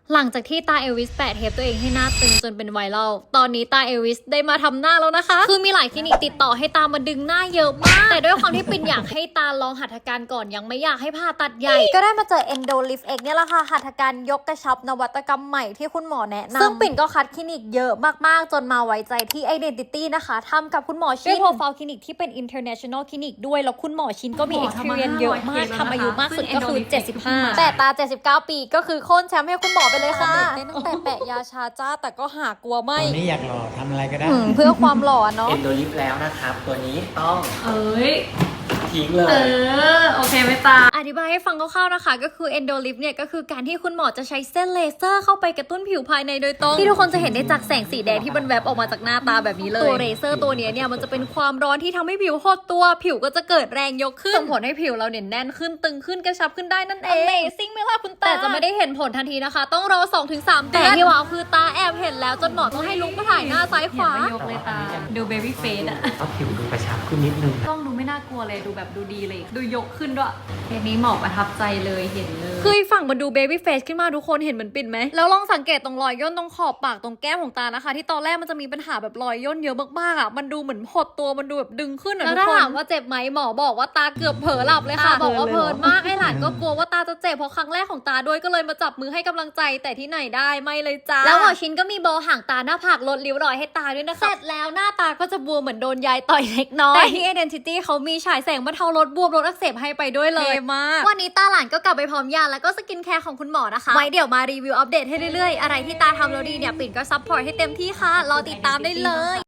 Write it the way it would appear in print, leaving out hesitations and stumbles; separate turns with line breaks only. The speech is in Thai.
หลังจากที่ตาเอลวิสแปะเทปตัวเองให้หน้าตึงจนเป็นไวรัลตอนนี้ตาเอลวิสได้มาทำหน้าแล้วนะคะคือมีหลายคลินิกติดต่อให้ตามาดึงหน้าเยอะมากแต่ด้วยความที่ปิ่นอยากให้ตาลองหัตถการก่อนยังไม่อยากให้ผ่าตัดใหญ่ก็ได้มาเจอ Endo Lift X เนี่ยแหละค่ะหัตถการยกกระชับนวัตกรรมใหม่ที่คุณหมอแนะนำซึ่งปิ่นก็คัดคลินิกเยอะมากๆจนมาไว้ใจที่ Identity นะคะทำกับคุณหมอชินด้วยโปรไฟล์คลินิกที่เป็น international คลินิกด้วยแล้วคุณหมอชินก็มี experience เยอะมากทำอายุมากสุดก็คือ75แต่ตา79ปีก็คือโค่นแชมป์ให้คุณหมอไปเลยค่ะตั้งแต่แปะยาชาจ้าแต่ก็หากลัวไม่
ตอนนี้อยากหล่อทำอะไรก็ได้
เพื่อความหล่อเนาะ
เอ็นโดลิฟแล้วนะครับ ตัวนี้ต้อง
เอ้ย
ทิ้งเลย
โอเคไหมตา
อธิบายให้ฟังคร่าวๆนะคะก็คือ Endo Lift เนี่ยก็คือการที่คุณหมอจะใช้เส้นเลเซอร์เข้าไปกระตุ้นผิวภายในโดยตรงที่ทุกคนจะเห็นได้จากแสงสีแดงที่มันแวบออกมาจากหน้าตาแบบนี้เลยตัวเลเซอร์ตัวนี้เนี่ยมันจะเป็นความร้อนที่ทำให้ผิวหดตัวผิวก็จะเกิดแรงยกขึ้นส่งผลให้ผิวเราเนี่ยแน่นขึ้นตึงขึ้นกระชับขึ้นได้นั่นเอง Amazing ไหมล่ะคุณตาแต่จะไม่ได้เห็นผลทันทีนะคะต้องรอ 2-3 เดือนแต่ที่ว้าวคือตาแอบเห็นแล้วจนหมอต้องให้ลุกมาถ่ายหน้าซ้ายขวา
อย่ามายกเลยตา ดูเบบี้เฟสอะ
ก็ผิวดูกระชับขึ้นนิดนึง
ต้องดูไม่น่ากลัวเลย ดูแบบดูดีเลย ดูยกขึ้นด้วยเคสนี้หมอประทับใจเลยเห็นเลย
คือฝั่งมันดูเบบี้เฟสขึ้นมาทุกคนเห็นเหมือนปิ่นไหมแล้วลองสังเกตตรงรอยย่นตรงขอบปากตรงแก้มของตานะคะที่ตอนแรกมันจะมีปัญหาแบบรอยย่นเยอะมากๆอ่ะมันดูเหมือนหดตัวมันดูแบบดึงขึ้นอ่ะทุกคนแล้วถ้าถามว่าเจ็บไหมหมอบอกว่าตาเกือบเผลอหลับเลยค่ะบอกว่าเพลินมากไอ้หลานก็กลัวว่าตาจะเจ็บเพราะครั้งแรกของตาด้วยก็เลยมาจับมือให้กำลังใจแต่ที่ไหนได้ไม่เลยจ้าแล้วหมอชินก็มีโบห่างตาหน้าผากลดริ้วรอยให้ตาด้วยนะคะเสร็จแล้วหน้าตาก็จะบวมเหมือนโดนยายต่อยเล็กน้อยแต่ที่ Identity เขามีฉายแสงบรรเทาลดบวมลดอักเสบให้ไปด้วยเลยมากวันนี้ตาหลานก็กลับไปพร้อมยาแล้วก็สกินแคร์ของคุณหมอนะคะไว้เดี๋ยวมารีวิวอัปเดตให้เรื่อยๆอะไรที่ตาทำแล้วดีเนี่ยปิ่นก็ซัพพอร์ตให้เต็มที่ค่ะรอติดตามได้เลย